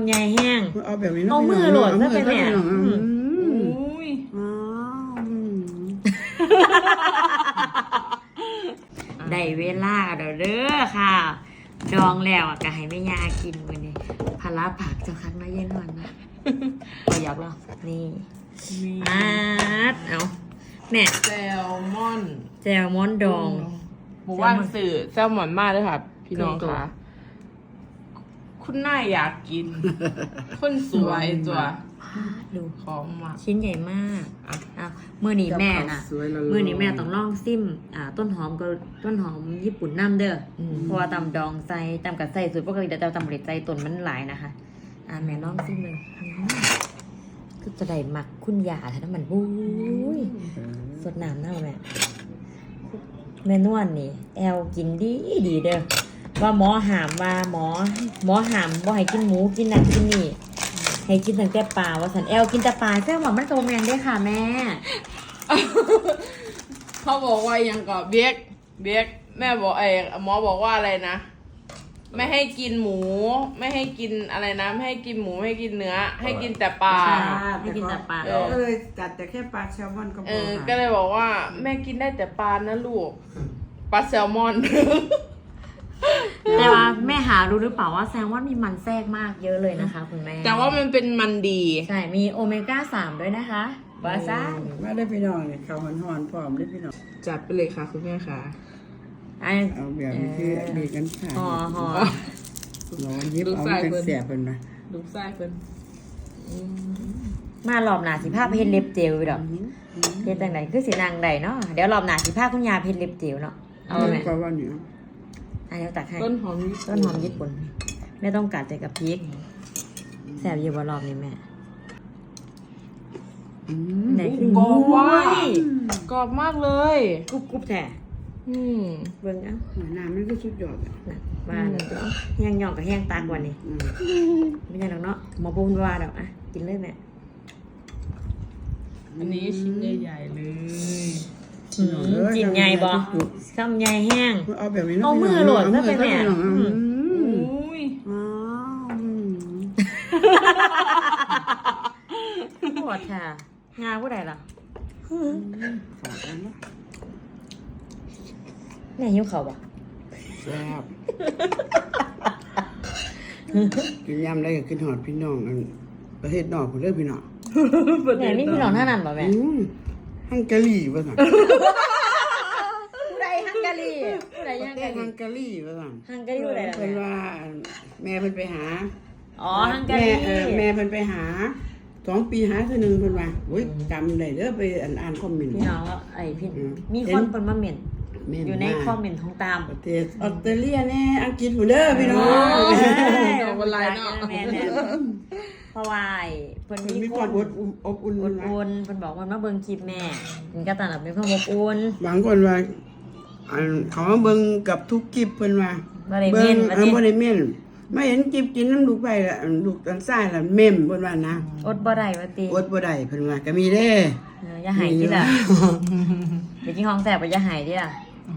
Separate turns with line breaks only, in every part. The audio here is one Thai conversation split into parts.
ใหญ่แห้ง
เอาแบบนี้
เอามือโหลดซะไปแม่ได้เวลาเด้อค่ะดองแล้วก็ให้แม่ยากินวันนี้พาราผักเจ้าคันมาเย็นวันนะประหยัดแล้วนี่เอาแม่
แซลมอน
ดอง
หมู่บ้านสื่อแซลมอนมากเลยค่ะพี่น้องค่ะคุณนายอยากกินคนสวยตัว
ดู
ของมา
ชิ้นใหญ่มากมือหนีแม่น่ะมือหนีแม่ต้องลองซิมต้นหอมก็ต้นหอมญี่ปุ่นน้ำเด้อเพราะว่าตำดองใส่ตำกับใส่สูตรปกติแต่ตำเล็ดใส่ต้นมันหลายนะคะแม่ลองซิมเลยก็จะได้หมักคุณยาถ้ามันบุ้ยสดน้ำเน่าแม่นวลนี่แอลกินดีเด้อว่าหมอหามว่าหมอหามบ่ให้กินหมูกินนั่นกินนี่ให้กินตั้งแต่ปลาว่าสันแอลกินแต่ปลาแซ่บหวานมันกระโดดแมนได้ค่ะแม่
เขาบอกว่ายังก็เบียกแม่บอกหมอบอกว่าอะไรนะไม่ให้กินหมูไม่ให้กินอะไรนะไม่ให้กินหมูไม่ให้กินเนื้อให้กินแต่ปลา
ให้กินแต่ปลา
ก็เลยจัดแต่แค่ปลาแซลมอนก็พอ
ก็เลยบอกว่าแม่กินได้แต่ปลานะลูกปลาแซลมอน
แต่ว่าแม่หารู้หรือเปล่าว่าแซลมอนมีมันแทรกมากเยอะเลยนะคะคุณแม่
แต่ว่ามันเป็นมันดี
ใช่มีโอเมก้า3ด้วยนะคะบาซ่า
มาได้พี่น้องเนี่ยข้าวหอนๆพร้อมได้พี่น้อง
จัดไปเลยค่ะคุณแม่ค่ะ
เอาแบบนี้คือดีกันค่ะ
ห่อ
ร้อนยิบเอาเป็นเสียเป็นไหม
ลูกไส้เป็น
มารอบหน้าสิภาพเพชรเล็บเจลดอกเพชรจังไหนคือสีนางใดเนาะเดี๋ยวรอบหน้าสิภาพคุณยาเพชรเล็บเจลเนาะเอาไหม
ก็ว่าเนี่ย
เดี๋ยวตักให้
ต้นหอม
ญี่ปุ่นไม่ต้องกัดใจกับพริกแซ่บเยอะกว่ารอบนี้แม่ไหนคือก
รอบมากเลย
กรุบแท้เบิ่งอ่ะ
น้ำมันก็สุดยอด
มาเดี๋ยวแห้งย่องกับแห้งตากว่านี่ไม่ใช่หรอกเนาะหมอปูนว่าดอกกินเลยแม่
อันนี้ชิ้นใหญ่ๆเลย
จิ้มใหญ่บ่ซ้ำใหญ่แห้ง
เอาแบบนี้
เอามือโหลดซะไปแม่ปวดค่ะงาผู้ใดล่ะแม่หิวเขาบ่
แซ่บกินยำได้ก็กินหอดพี่น้องประเทศนอกผมเลือกพี่น้อง
แม่นี่พี่น้องท่านั้นป่ะแม่
ฮังการีป่ะสั่ง
ผู้ใดฮังการีผู้ใด
ฮังการีป่ะสั่ง
ฮังการีผู้ใดล่ะ
เป็นว่าแม่เพิ่นไปหา
ฮังการี
แม่เพิ่นไปหา2 ปีหาเท่านึงเพิ่นว่าโอ้ยจำได้เด้อไปอ่านคอมเมนต์
พี่น้องพี่มีคนเพิ่นมาเม้นอยู่ในคอมเมนต์ของตาม
ประเทศออสเตรเลียแน่อังกฤษผู้เด้อพี่น้อง
วันไรเนาะ
เพราะว่าเพิ่นมี
ความอบอุ่น
เพิ่นบอกว่ามาเบิ่งคลิปแม่มันก็ตอนนั้นมีความอบอุ่น
บางคนว่าเขามาเบิ่งกับทุกคลิปเพิ่นว่า
บ่ได้เม่น
บ่ได้เม่นไม่เห็นคลิปกินน้ำลูกไปละลูกตันซ้ายละเม่มเพิ่นว่านะ
อดบ่ได้ว่าติ
อดบ่ได้เพิ่นว่าก็มีเด้
อย่าหายติล่ะไปกินของแซ่บบ่อย่าหายติล่ะ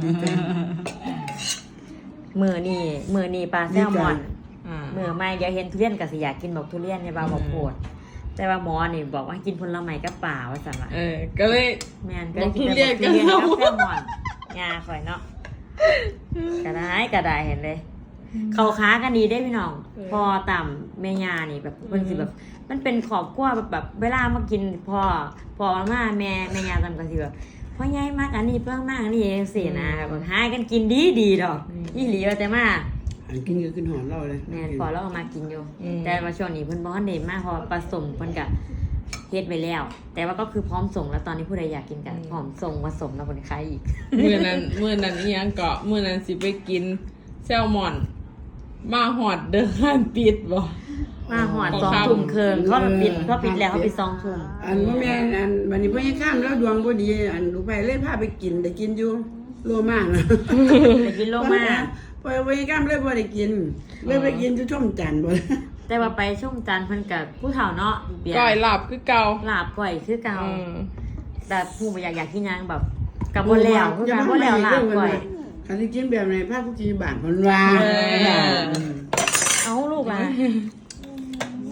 มื้อนี้ปลาแซลมอนมื้อใหม่อย่าเห็นทุเรียนก็สิอยากกินบอกทุเรียนเนี่ยบ่าวบ่โพดแต่ว่าหมอนี่บอกว่ากินผลไม้กับปลาว่าซั่นว่า
ก็เลย
แม่นก็เลยกินแต่ทุเรียนกับแซลมอนงาข่อยเนาะก็ได้เห็นเลยเขาค้ากันดีได้พี่น้องพอต่ำแม่ยานี่แบบเพิ่นสิแบบมันเป็นขอบกว้าแบบเวลามากินพอมาแม่ยาต่ำก็สิแบบพ่อใหญ่มากอันนี้เพิ่งมากนี่สินะแบบหากันกินดีดอกอีหลีว่าแต่มา
อันกินก็ขึ้นหอมเราเลย
แม่พอเราเอามากินอยู่แต่ว่าช่วงนี้เพิ่นบ่ทันได้มาพอผสมเพิ่นก็เฮ็ดไปแล้วแต่ว่าก็คือพร้อมส่งแล้วตอนนี้ผู้ใดอยากกินกันพร้อมส่งผสมแล้วคนขายอีก
มื้อนั้นอีหยังเกาะมื้อนั้นสิไปกินแซลมอนมาหอดเดินห้านปิดบ่
มาหอด2 ทุ่มครึ่งเขาปิดแล้วเขาปิด2 ทุ่ม
อันว่าแม่อันวันนี้พ่อยังข้ามแล้วดวงบ่ดีอันลูกไปเลยพาไปกินได้กินอยู่โลมานะ
ได้กินโลมา
พ่อยังข้ามเลยบ่ได้กินเลยไปกินอยู่ช่องจันทร์บ่
แต่ว่าไปช่องจันทร์เพิ่นกับผู้เฒ่าเนาะ
ก้อยลาบคือเก่า
ลาบก้อยคือเก่าแต่ผู้บ่อยากกินยังแบบกับบ่แล้วคือกันบ่แล้วลาบก้อย
คันสิกินแบบไหนพาผู้กินบ้านเพิ่นว่า
เอาลูกล่ะ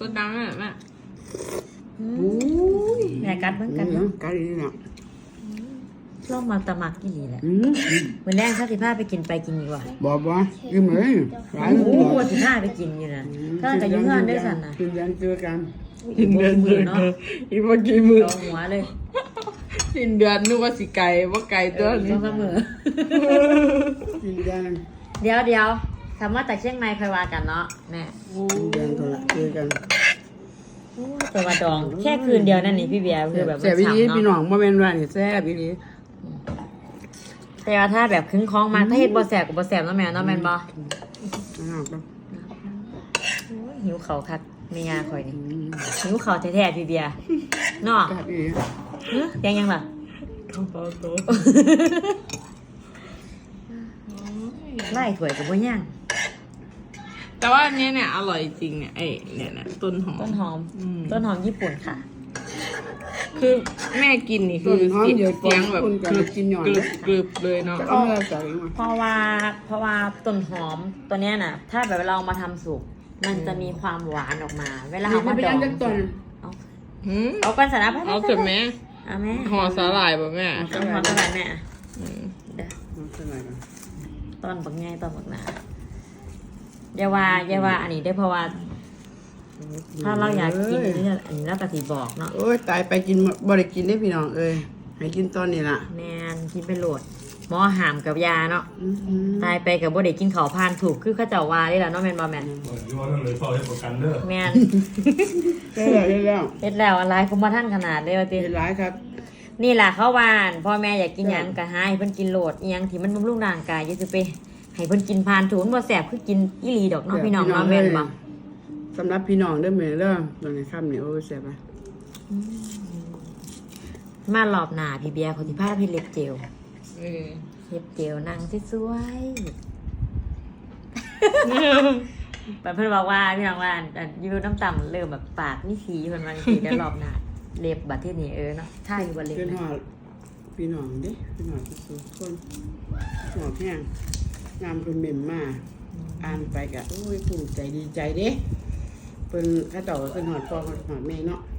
สดดังอ่ะแม่
อุ้ย
แม่กัดเหมือนกัน
กัดอีกแล้ว
ลองมาตะมักกี่ลีแหละ
อืม
วันแรกถ้าสิพาไปกินดีกว่า
บ่อิ่มเลยหลาย
โอ้
มื้อ
สิพาไปกินอยู่นะถ้าจะยุ่งงานด้วยสันนะ
กินยันเจอกัน
กินเดือนเนาะ
อีกว่ากี่มือ
ลองหัวเลย
กินเดือนนึกว่าสิไก่ว่าไก่ตัว
ต้
นี้
องเสมอ
กินยัน
เดี๋ยวคำว่าจากเชียงใหม่ค่อยว่ากันเนาะแม่
กินยันเท่าไหร่เจอกัน
แต่ว่าดองแค่คืนเดียวนั่นนี่พี่เบียร์คือแบบ
แซ่บอีหลี
ฉ่ำ
พี่
เนาะ
น้องบ่แม่นว่านี่แซ่บอีหลี
แต่ว่าถ้าแบบคึ้งคล้องมาถ้าเฮ็ดบ่แสบกับบ่แสบเนาะแม่เนาะแม่นบ่
อ้าวก็
หิวเขาคักไม่ยาข่อยนี่หิวเขาแท้ๆพี่เบียร์เนาะ
แซ่บอีหลี
ยังล่ะ ไล่ถ้วยกับบ่ย่าง
แต่ว่าอันนี้เนี่ยอร่อยจริงเนี่ยไอ้เนี่ยต้นหอม
ต้นหอม
อืม
ต้นหอมญี่ปุ่นค่ะ
คือแม่กินนี่คือเสียงแบบกรึบกรึบเลยเนาะ
จะเอามาใส่มา
เพราะว่าต้นหอมตัวเนี้ยน่ะ ถ้าแบบเราเอามาทำสุกมันจะมีความหวานออกมา เวลาเอามา
ไป
ดอ
ยัง งจักต้น
หืม
เอากันสาระไป
เอาเสร็จไหม
เอาแม่
ห่อสาหร่ายป่ะแม่
ต้นหอมเท่าไหร่แม่
อืม
เดี๋ยว
เอาใส่หน่อยก่อน
ต้นบักง่ายต้นบักหนาอย่าว่าอันนี้ได้เพราะว่า ถ้าเราอยากกินนี่อันนี้เราก็สิบอกเนาะ
โอ้ยตายไปกินบ่ได้กินได้พี่น้องเอ้ยให้กินตอนนี้ล่ะ
แมนกินไปโหลดหมอหามกับยาเนาะ
อื้อหือ
ตายไปกับบ่ได้กินข้าวพานถูกคือเขาเจ้าว่าได้ล่ะเนาะแม่นบ่แม่น
อยู่ว่านั่นเลยเฝ้าให้ประกันเด้อ
แม่น
ได้แล้วได้แล้ว
เฮ็ดแล้วอะไรคุมมาท่านขนาดเลยว่าติ
เห็นหลายครับ
นี่ล่ะเขาว่านพ่อแม่อยากกินหยังก็หาให้เพิ่นกินโหลดอีหยังที่มันบำรุงร่างกายอย่าสิไปให้เพิ่นกินพานถูกมันบ่แซ่บคือกินอีหลีดอกเนาะพี่น้องเนาะแม่นบ่
สำหรับพี่น้องเด้อแม่เด้อตอนนี้ค่ำนี่โอ้ยแซ่บอ่ะ
มารอบหน้าพี่เบียร์เขาสิพาพี่เล็บเจล
เออ
เล็บเจลนั่งสวยๆ แบบเพิ่นบอกว่าพี่น้องว่าอันอยู่น้ำต่ำเริ่มแบบปากมีสีเพิ่นว่าจังซี่เดี๋ยวรอบหน้าเล็บบัดที่นี่เนาะถ้าอยู่บ่เล็บ
ขึ้น
นะ
หอดพี่น้องเด้พี่น้องทุกคนหอดแห้งน้ำเพิ่นเหม็นมาอ่านไปกะโอ้ยภูมิใจดีใจเด้เพิ่นเขาเจ้าก็ขึ้นหอดพ่อหอดแม่เนาะ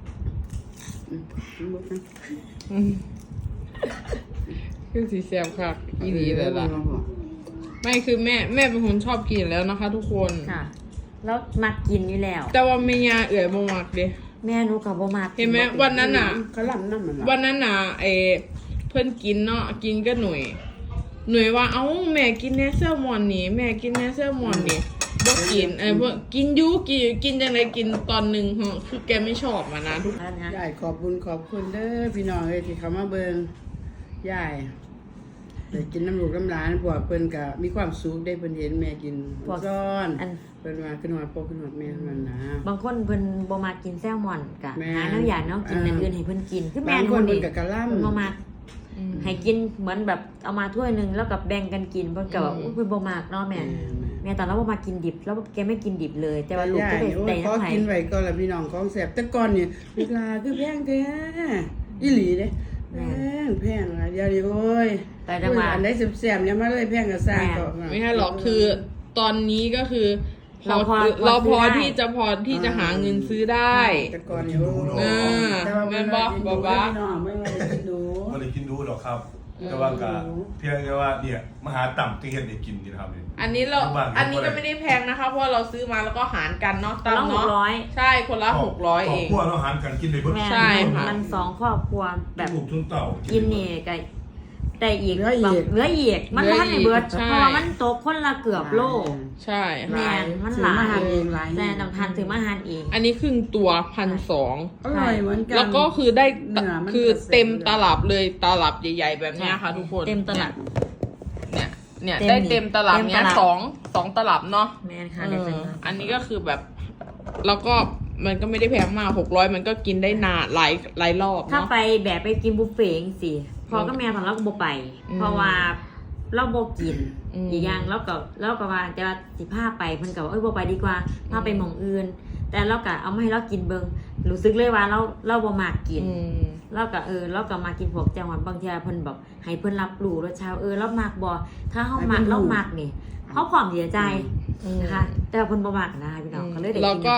บุกนะ
อืมคือสีแซ่บค่ะอีหลีเลยล่ะไม่คือแม่เป็นคนชอบกินแล้วนะคะ ทุกคน
ค่ะ แล้วมักกินอยู่แล้ว
แต่ว่าไม่ยาเอื่อยบ่มักเด้
แม่หนูก็บ่มัก
เห็นไหมวันนั้นน่ะ
เขาลำน้ำมัน
วันนั้นน่ะเพื่อนกินเนาะกินก็หน่วยว่าเอ้าแม่กินแนเซลมอนนี่แม่กินแนเซลมอนนี่บ่กินพวกกินยูกินจังไดกินตอนหนึ่งเหรอคือแกไม่ชอบมานะทุก
อันนะ
ยายขอบคุณเด้อพี่น้องเอ้ยที่เขามาเบิ่งยายได้กินน้ำลูกน้ำหลานพวกเพิ่นก็มีความสุขได้เพิ่นเห็นแม่กินซ้อน
อัน
เพิ่นว่าขึ้นหอดพ่อขึ้นหอดแม่มันนะ
บางคนเพิ่นบ่มักกินแซลมอนกะ
แม่
หาแนวอย่างแนวกินอย่างอื่นให้เพิ่นกินคือแม่
บาง
ห
คน
นี่
เพิ่นก็กะล่ำ
เพิ่นบ่มักให้กินเหมือนแบบเอามาถ้วยหนึงแล้วก็แบ่งกันกินเพิ่นก็ว่าอุ๊ยเพิ่นบ่มักเนาะแม่แม่ตอนเราบ่มักกินดิบแล้วแกไม่กินดิบเลย แต่ว่าลูกจะได้
โอ้ย
ได้
ขอ
น้ำไผ
กินไว้ก่อนละพี่น้องของแซ่บแต่ก่อนนี่เวลาคือแพงแท้อีหลีเด้แพงอะเดี๋ยวนี้โอ้ย
แต่จังหวะ
อันใดแซ่บๆเนี่ยมาเลยแพงก็สร้างก็
ไม่ใช่หรอกคือตอนนี้ก็คือ
เราพอ
เราพอ
ซื้อได้
ที่จะหาเงินซื้อได้
แต่ก่อนนี่โอ้ย
อ่า
แต่ว่า
แม่นบ่บ่บ่
พี่น้องไม่ว่าจะกินดู
ไม่ได้กินดูหรอกครับ แต่ว่าก็เพียงแค่ว่าเนี่ยมหาต่ำที่เห็นได้กินนี่นะครับนี่
อันนี้เรา
บาง
อันนี้ก็ไม่ได้แพงนะคะ เพราะว่าเราซื้อมาแล้วก็หารกันเนาะตาม
ละ
เนาะ
600
ใช่คนละ600เอง
ครบครัวเราหารกันกินได้เบิด
แม่
ใช่ค่ะ
มันสองครอบครัวแบบ
ลูกทุนเต่า
กินนี่ก็ได้อีก
เหลืออีก
เหลืออีกมันบ่ทันได้เบิด
ใช่
เพราะว่ามันตกคนละเกือบโล
ใช่
แม่นมัน
ซื้
ห
อ
ลา
มาย หาเองหลาย
แต่ต้องทานถึงมาหารเอง
อันนี้ครึ่งตัว1,200
อร่อยเหมือนกัน
แล้วก็คือได้
เนื้อมัน
คือ
ก็แซ่บ
เต็มตลับเลยตลับใหญ่ๆแบบเนี้ยค่ะ ทุกคน
เต็มตลับ
เนี่ย
เต็ม
ได้เต็มตลับ
เต็ม
เนี้ย
ตลับ
สองตลับเนาะ
แม่นค่ะได้จัง
อันนี้ก็คือแบบ แล้วก็มันก็ไม่ได้แพงมาก600มันก็กินได้นานหลายรอบ
ถ้า
เนาะ
ไปแบบไปกินบุฟเฟ่ต์จังซี่พอก็แม่ตอนเราก็บ่ไป เพราะว่าเราบ่กิน อีกอย่างแล้วก็ว่าแต่ว่าสิพาไปเพิ่นก็ว่าบ่ไปดีกว่าพาไปหม่องอื่น แต่เราก็เอามาให้เรากินเบิ่งรู้สึกเลยว่าเราบ่มักกิน เราก็มากินพวกแจ่วหวานบางทีเพิ่นบอกให้เพิ่นรับรู้รสชาติเรามักบ่ถ้าเฮามักเรามักนี่เฮาพร้อมที่จะจ่ายนะคะแต่ว่าเพิ่นบ่มักนะพี่น้องก็เลยได้กิน
แล้วก็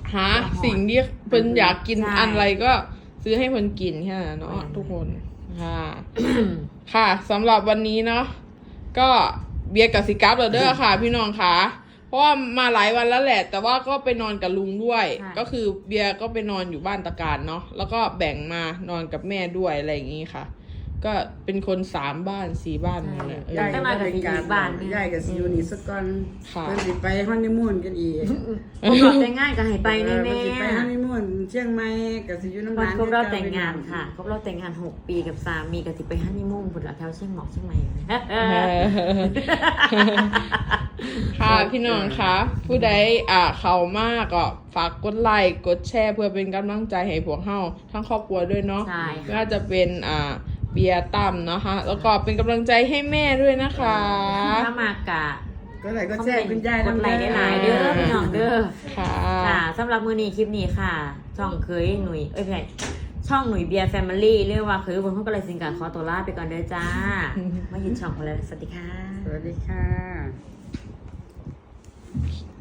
หาสิ่งที่เพิ่นอยากกิน
ใช่
อะไรก็ซื้อให้เพิ่นกินแค่นั้นเนาะทุกคนค่ะ ค่ะสำหรับวันนี้เนาะก็เบียร์กับสิกราฟเด้อค่ะ พี่น้องค่ะเพราะว่ามาหลายวันแล้วแหละ แต่ว่าก็ไปนอนกับลุงด้วย
ใช่
ก็คือเบียร์ก็ไปนอนอยู่บ้านตะการเนาะแล้วก็แบ่งมานอนกับแม่ด้วยอะไรอย่างงี้ค่ะ ก็เป็นคน3 บ้าน 4 บ้านนั่นแหละ
ยาย
ตั้งแต่กับสิอยู่บ้านเนี่ย
ยายกับสิอยู่นี่สักก่อน
ค่ะ
เพิ่นสิไปฮันนีมูนกันอีก
ผมบอกแต่งงานก็ให้ไปแน่
เพิ่นสิไป
ๆ
ฮันนีมูนเชียงใหม่กับสิอยู่น้ำ
วัน
ร้าน
ครบรอบแต่งงานค่ะครบรอบแต่งงาน6 ปีกับสามีกับสิไปฮันนีมูนพุ่นละแถวเชียงหมอกเชียงใหม่
ค่ะพี่น้องคะผู้ใดเขามากก็ฝากกดไลค์กดแชร์เพื่อเป็นกำลังใจให้พวกเฮาทั้งครอบครัวด้วยเนาะ
ใช่ค่ะ
ไม่ว่าจะเป็นเบียร์ตั้มนะคะแล้วก็เป็นกำลังใจให้แม่ด้วยนะคะ
ถ้ามากะ
ก็ไหลก็แจ้งคุณยาย
กดไลค์ได้หลายเด้อพี่น้องเด้อ
ค่ะ
ค่ะสำหรับมื้อนี้คลิปนี้ค่ะ ช่องเคยหนุ่ยไม่ใช่ช่องหนุ่ยเบียร์แฟมิลี่เรียกว่าเคยคนเขาก็เลยสิงกับขอตัวลาไปก่อนเด้อจ้ามายินช่องของเราสวัสดีค่ะ
สวัสดีค่ะ